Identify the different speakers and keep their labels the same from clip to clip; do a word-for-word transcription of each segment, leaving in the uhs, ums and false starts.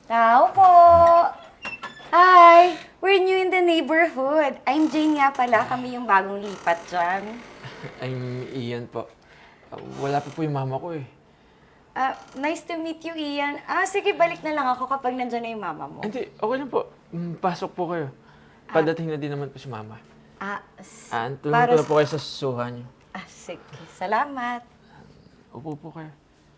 Speaker 1: Tao po! Hi! We're new in the neighborhood. I'm Jane nga pala. Kami yung bagong lipat dyan.
Speaker 2: I'm Ian po. Ah, wala pa po yung mama ko eh.
Speaker 1: Ah, nice to meet you, Ian. Ah, sige, balik na lang ako kapag nandyan na yung mama mo.
Speaker 2: Hindi, okay lang po. Mm, Pasok po kayo. Padating na din naman po si mama.
Speaker 1: Ah, s-
Speaker 2: Ah, tulungan
Speaker 1: para
Speaker 2: ko na
Speaker 1: s-
Speaker 2: po kayo sa susuhan niyo.
Speaker 1: Ah, sige. Salamat.
Speaker 2: Upo po kayo.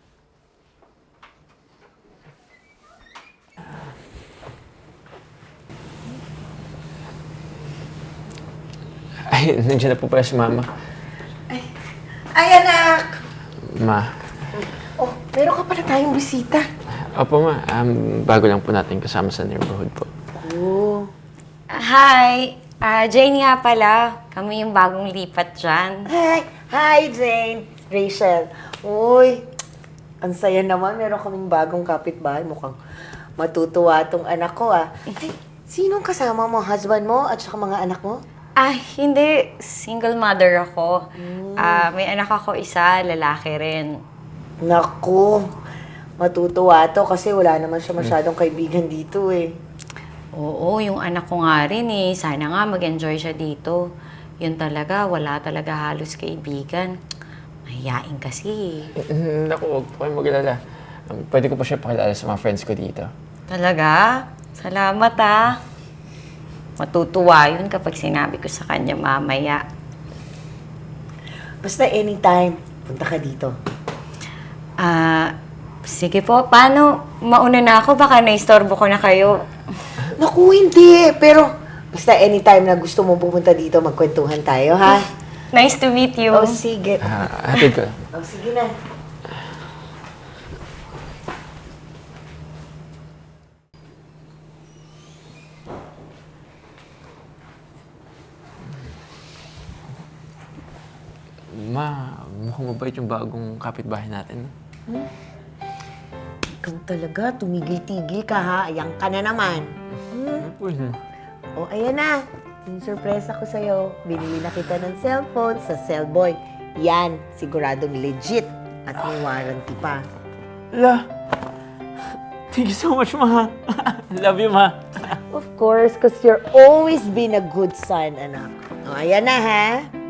Speaker 2: Ay, nandiyan na po pala si mama.
Speaker 3: Ay, anak!
Speaker 2: Ma.
Speaker 3: Oh, meron ka pala tayong bisita.
Speaker 2: Opo ma, um, bago lang po natin kasama sa neighborhood po.
Speaker 3: Oh.
Speaker 1: Hi! Ah, Jane nga pala. Kami yung bagong lipat dyan.
Speaker 3: Hi! Hi, Jane! Rachel. Uy, ang saya naman. Meron kaming bagong kapitbahay. Mukhang matutuwa tong anak ko, ah. Ay, sinong kasama mo? Husband mo at saka mga anak mo?
Speaker 1: Ah, hindi. Single mother ako. Ah, may anak ako isa, lalaki rin.
Speaker 3: Naku, matutuwa to kasi wala naman siya masyadong kaibigan dito, eh.
Speaker 1: Oo, yung anak ko nga rin eh. Sana nga mag-enjoy siya dito. Yun talaga, wala talaga halos kaibigan. Mahiyain kasi eh.
Speaker 2: Mm, Naku, huwag po kayong mag-alala. Um, pwede ko pa siya pakilala sa mga friends ko dito.
Speaker 1: Talaga? Salamat ah. Matutuwa yun kapag sinabi ko sa kanya mamaya.
Speaker 3: Basta anytime, punta ka dito.
Speaker 1: Ah, sige po. Paano? Mauna na ako. Baka naistorbo ko na kayo.
Speaker 3: Naku, hindi. Pero basta anytime na gusto mo pumunta dito, magkwentuhan tayo, ha?
Speaker 1: Nice to meet you.
Speaker 3: Oh, sige.
Speaker 2: Ah, hatid ko lang.
Speaker 3: Oh, sige na.
Speaker 2: Ma, mukhang mabait yung bagong kapitbahay natin. no?
Speaker 3: Ikaw talaga, tumigil-tigil ka, ha? Ayan ka na naman.
Speaker 2: Ano po yun?
Speaker 3: O, ayan na. Yung surprise ko sa'yo. Binili na kita ng cellphone sa Cellboy. Yan, siguradong legit. At may warranty pa.
Speaker 2: La! Thank you so much, ma. Love you, ma.
Speaker 3: Of course, because you're always been a good son, anak. O, ayan na, ha?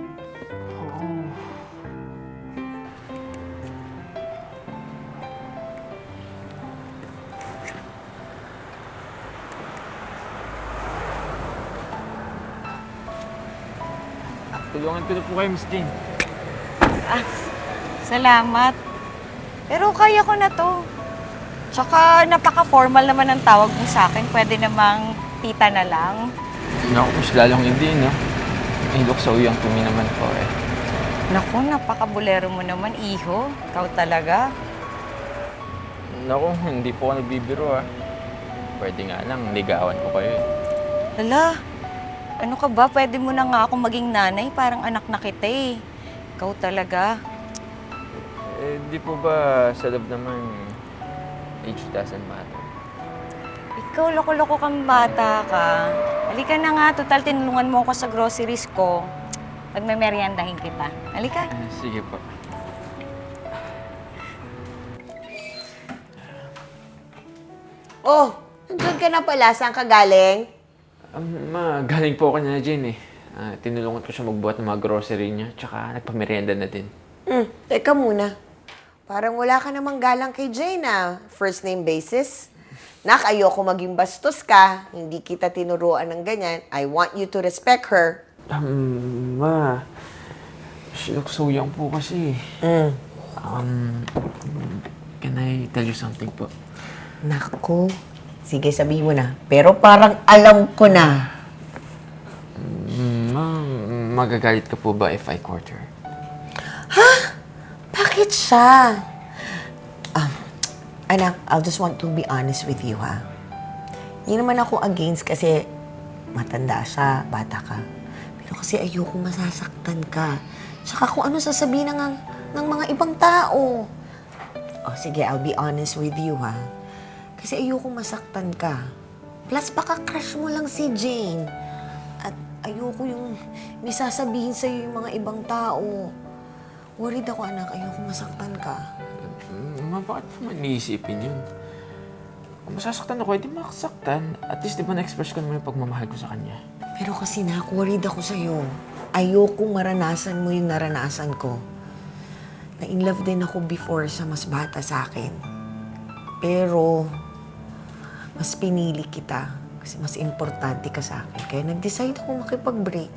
Speaker 2: Tulungan ko na po kayo, Miss Jane.
Speaker 1: Ah, salamat. Pero kaya ko na to. Tsaka napaka-formal naman ang tawag mo sa akin. Pwede namang tita na lang.
Speaker 2: Naku, mas lalong hindi, no? Hilok sa uyang tumi naman po, eh.
Speaker 1: Naku, napaka-bulero mo naman, iho. Ikaw talaga.
Speaker 2: Naku, hindi po ako nagbibiro, ah. Pwede nga lang, ligawan ko kayo, eh.
Speaker 1: Hala, ano ka ba? Pwede mo na nga ako maging nanay. Parang anak na kita eh. Ikaw talaga.
Speaker 2: Eh, di po ba sa love naman, age doesn't matter?
Speaker 1: Ikaw, loko-loko kang bata ka. Halika na nga, total tinulungan mo ako sa groceries ko. Pagmemeryandahin kita. Halika.
Speaker 2: Eh, sige po.
Speaker 3: Oh, nandun ka na pala. Saan ka galing?
Speaker 2: Um, ma, galing po ako na Jane, eh. Ah, tinulungan ko siya magbuhat ng mga grocery niya, tsaka nagpamerienda na din.
Speaker 3: Hmm, teka muna. Parang wala ka namang galang kay Jane, ah. First name basis. Nak, ayoko maging bastos ka. Hindi kita tinuruan ng ganyan. I want you to respect her.
Speaker 2: Um, ma, sinuksuyang po kasi.
Speaker 3: Mm.
Speaker 2: Um, can I tell you something po?
Speaker 3: Naku. Sige, sabihin mo na. Pero parang alam ko na.
Speaker 2: Mm, ma, magagalit ka po ba if I court her?
Speaker 3: Bakit siya? Um, anak, I'll just want to be honest with you, ha? Hindi naman ako against kasi matanda siya, bata ka. Pero kasi ayoko masasaktan ka. Tsaka kung ano sasabihin ng, ng mga ibang tao. Oh, sige, I'll be honest with you, ha? Kasi ayoko masaktan ka. Plus, baka crush mo lang si Jane. At ayoko yung may sasabihin sa'yo yung mga ibang tao. Worried ako, anak. Ayoko masaktan ka.
Speaker 2: Ma, bakit mo man iisipin yun? Kung masasaktan ako, edi makasaktan. At least, di ba na-express ko naman yung pagmamahal ko sa kanya.
Speaker 3: Pero kasi nak, worried ako sa'yo. Ayokong maranasan mo yung naranasan ko. Na-in love din ako before sa mas bata sa akin. Pero, mas pinili kita kasi mas importante ka sa akin. Kaya nag-decide ako makipag-break.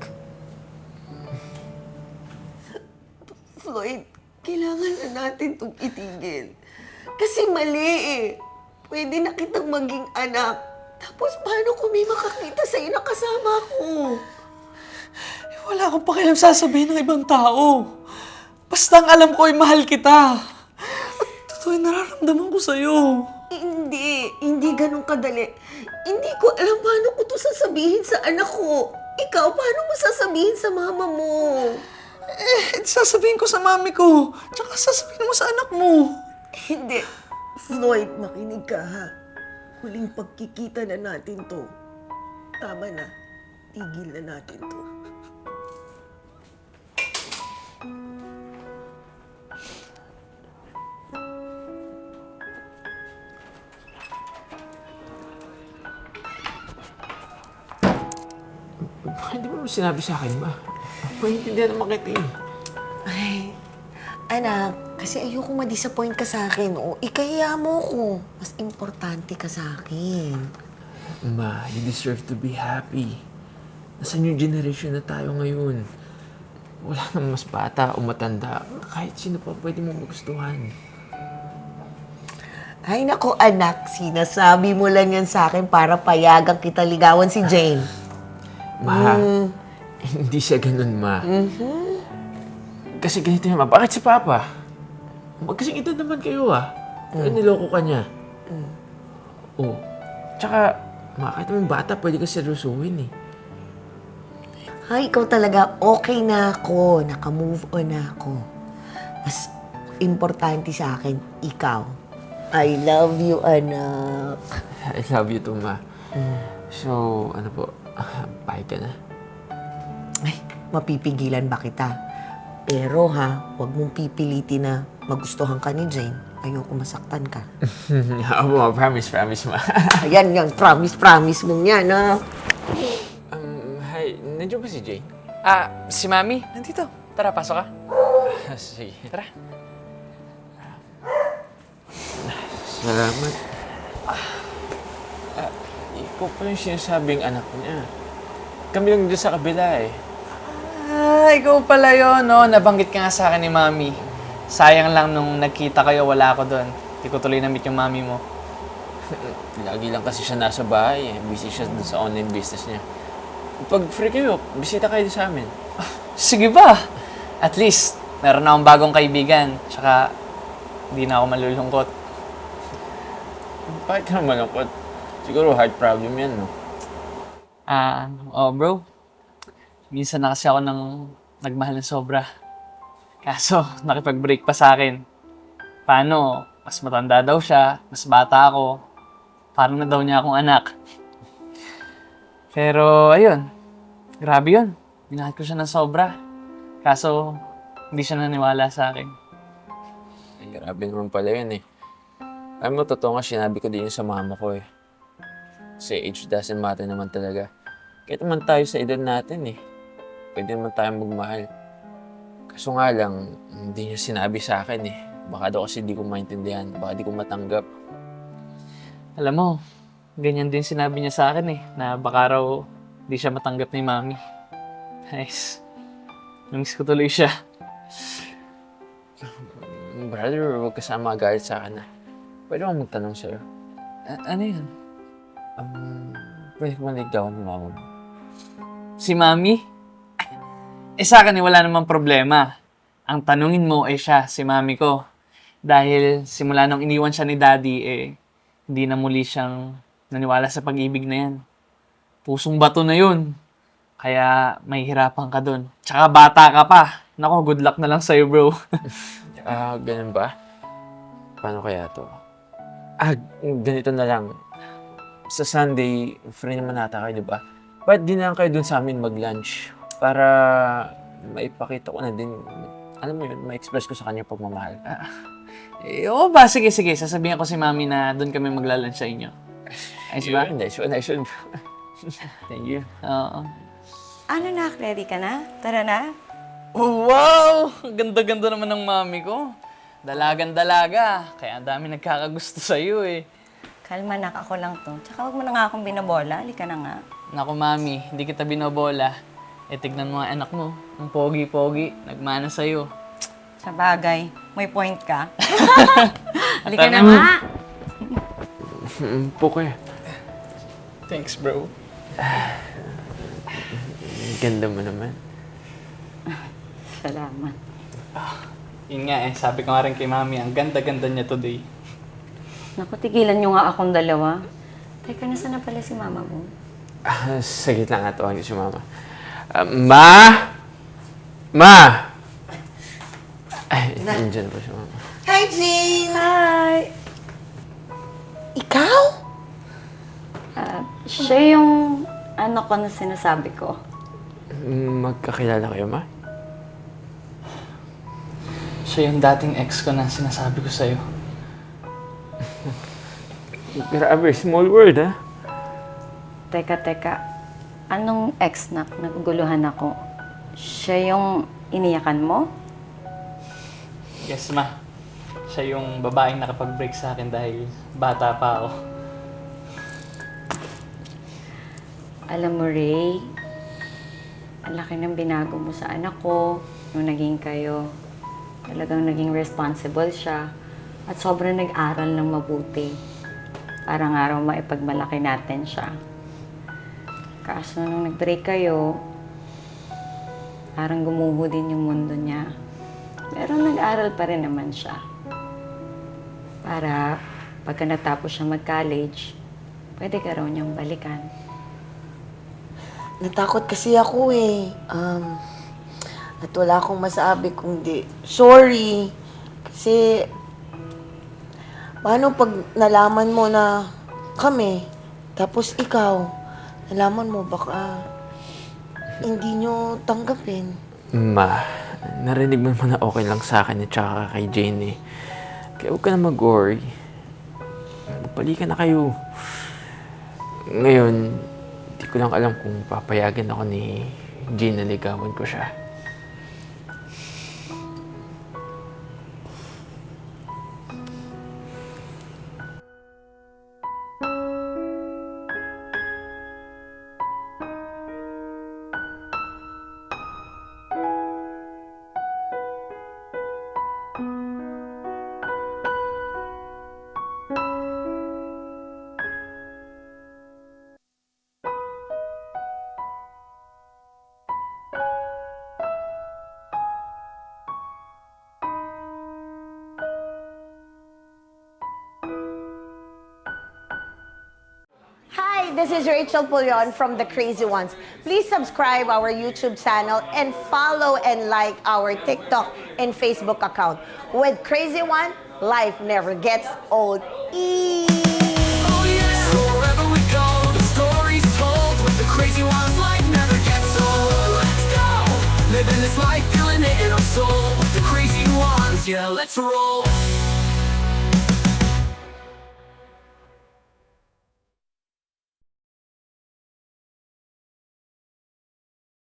Speaker 3: Floyd, kailangan na natin itong itigil. Kasi mali eh. Pwede na kitang maging anak. Tapos paano kung may makakita sa'yo na kasama ko?
Speaker 4: Eh, wala akong pakialam sasabihin ng ibang tao. Basta ang alam ko ay mahal kita. At totoo yung nararamdaman ko sa'yo.
Speaker 3: Hindi. Hindi ganun kadali. Hindi ko alam paano ko to sasabihin sa anak ko. Ikaw, paano mo sasabihin sa mama mo?
Speaker 4: Eh, sasabihin ko sa mami ko. Tsaka sasabihin mo sa anak mo.
Speaker 3: Hindi. Floyd, makinig ka ha. Huling pagkikita na natin to. Tama na. Tigil na natin to.
Speaker 2: Hindi mo naman sinabi sa akin, ma. Maintindihan naman kita eh.
Speaker 3: Ay, anak, kasi ayoko ma-disappoint ka sa akin. O, ikaya mo ko. Mas importante ka sa akin.
Speaker 2: Ma, you deserve to be happy. Nasa new generation na tayo ngayon. Wala nang mas bata o matanda. Kahit sino pa pwede mo magustuhan.
Speaker 3: Ay, nako anak, sinasabi mo lang yan sa akin para payagan kita ligawan si Jane.
Speaker 2: Ma, hindi siya ganun, ma. Kasi ganito yun, ma. Bakit si Papa? Magkasing edad naman kayo, ah. Pero niloko ka niya. Oh. Tsaka, ma, kahit naman bata, pwede ka seryosuhin, eh.
Speaker 3: Ay, ikaw talaga, okay na ako. Naka-move on na ako. Mas importante sa akin, ikaw. I love you, anak.
Speaker 2: I love you too, ma. So, ano po, pahig ka na.
Speaker 3: Ay, mapipigilan ba kita? Pero ha, huwag mong pipilitin na magustuhan ka ni Jane. Ayoko masaktan ka.
Speaker 2: Oo, ma, promise, promise, ma.
Speaker 3: Ayan, yan, promise, promise mong yan, ha?
Speaker 2: um, hi, nandiyan ba si Jay?
Speaker 4: Ah, si Mami, nandito. Tara, pasok ka.
Speaker 2: Sige.
Speaker 4: Tara.
Speaker 2: Salamat. Ah, ikaw pa yung sinasabing anak niya. Kami lang dyan sa kabila eh.
Speaker 4: Ah, ikaw pala yun, no? Nabanggit ka nga sa akin ni Mami. Sayang lang nung nagkita kayo, wala ako doon. Hindi ko tuloy na-meet yung Mami mo.
Speaker 2: Lagi lang kasi siya nasa bahay eh. Busy siya dun sa online business niya. Pag free kayo, bisita kayo sa amin.
Speaker 4: Sige ba? At least, meron na akong bagong kaibigan. Tsaka, hindi na ako malulungkot.
Speaker 2: Bakit ka naman malungkot? Siguro heart problem yan, no?
Speaker 4: Ah, oh bro. Minsan na kasi ako nang nagmahal ng sobra. Kaso, nakipag-break pa sa akin. Paano? Mas matanda daw siya, mas bata ako. Parang na daw niya akong anak. Pero, ayun. Grabe yun. Minahal ko siya ng sobra. Kaso, hindi siya naniwala sa akin.
Speaker 2: Ay, grabe naman pala yun eh. Alam mo, totoo nga, sinabi ko din yun sa mama ko eh. Kasi age doesn't matter naman talaga. Kahit naman tayo sa edad natin eh. Pwede naman tayo magmahal. Kaso nga lang, hindi niya sinabi sa akin eh. Baka daw kasi di ko maintindihan, baka di ko matanggap.
Speaker 4: Alam mo, ganyan din sinabi niya sa akin eh, na baka raw di siya matanggap ni Mami. Nice. Namiss ko tuloy siya.
Speaker 2: Brother, huwag ka sana magalit sa akin ah. Pwede akong magtanong sa'yo.
Speaker 4: A- ano yun?
Speaker 2: Um, pwede ko manigdawan ng mama mo.
Speaker 4: Si Mami? Eh sa akin eh, wala namang problema. Ang tanungin mo eh siya, si Mami ko. Dahil simula nung iniwan siya ni Daddy eh, hindi na muli siyang naniwala sa pag-ibig na yan. Pusong bato na yun. Kaya may hirapan ka dun. Tsaka bata ka pa. Nako, good luck na lang sa'yo, bro.
Speaker 2: Ah, ganun ba? Paano kaya to? Ah, ganito na lang. Sa Sunday, free naman nata kayo, di ba? Ba't di na lang kayo dun sa amin mag-lunch? Para maipakita ko na din, alam mo yun, ma-express ko sa kanya pagmamahal.
Speaker 4: Eh, oo ba? Sige, sige. Sasabihin ko si Mami na doon kami maglalunch sa inyo. Ayos ba?
Speaker 2: Nice one, nice one. Thank you.
Speaker 4: Oo.
Speaker 1: Ano na, ready ka na? Tara na.
Speaker 4: Oh, wow! Ganda-ganda naman ng Mami ko. Dalagan-dalaga. Kaya ang dami nagkakagusto sa'yo eh.
Speaker 1: Kalma na, ako lang to. Tsaka huwag mo na nga akong binabola. Halika na nga.
Speaker 4: Naku, Mami, hindi kita binobola. Eh, tignan mo ang anak mo. Ang pogi-pogi. Nagmana sa'yo.
Speaker 1: Sa bagay, may point ka. Halika na
Speaker 4: Tama.
Speaker 1: nga.
Speaker 2: Mm, Puke.
Speaker 4: Thanks, bro.
Speaker 2: Ganda mo naman.
Speaker 1: Salamat.
Speaker 4: Yun nga eh, sabi ko nga rin kay Mami, ang ganda-ganda niya today.
Speaker 1: Naku, tigilan nyo nga akong dalawa. Teka, nasaan na pala si mama mo?
Speaker 2: Ah, saglit lang nga tawagin si Mama. Ah, Ma! Ma! Ay, nandiyan po si Mama.
Speaker 3: Hi, Jane!
Speaker 1: Hi!
Speaker 3: Ikaw?
Speaker 1: Ah, siya yung ano ko na sinasabi ko.
Speaker 2: Magkakilala kayo, Ma?
Speaker 4: Siya yung dating ex ko na sinasabi ko sa'yo.
Speaker 2: Grabe, small world, ha?
Speaker 1: Teka, teka. Anong ex na naguguluhan ako? Siya yung iniyakan mo?
Speaker 4: Yes, Ma. Siya yung babaeng nakapag-break sa akin dahil bata pa ako.
Speaker 1: Alam mo, Ray, ang laki ng binago mo sa anak ko nung naging kayo. Talagang naging responsible siya at sobrang nag-aral ng mabuti. Para nga raw maipagmalaki natin siya. Kaso nung nag-break kayo, parang gumuho din yung mundo niya. Pero nag-aral pa rin naman siya. Para pagka natapos siya mag-college, pwede ka raw niyang balikan.
Speaker 3: Natakot kasi ako eh. Um, at wala akong masabi kundi, sorry. Kasi, paano pag nalaman mo na kami, tapos ikaw, nalaman mo baka hindi nyo tanggapin.
Speaker 2: Ma, narinig mo naman na okay lang sa akin at saka kay Jane eh. Kaya huwag ka na mag-worry. Magpalikan na kayo. Ngayon, hindi ko lang alam kung papayagan ako ni Jane na ligawan ko siya.
Speaker 3: Hi, this is Rachel Pulyon from The Crazy Ones. Please subscribe our YouTube channel and follow and like our TikTok and Facebook account. With Crazy One, life never gets old. Eee!
Speaker 5: Oh yes, wherever we go, the story's told. With the crazy ones, life never gets old. Let's go, living this life, feeling it in our soul. With the crazy ones, yeah, let's roll.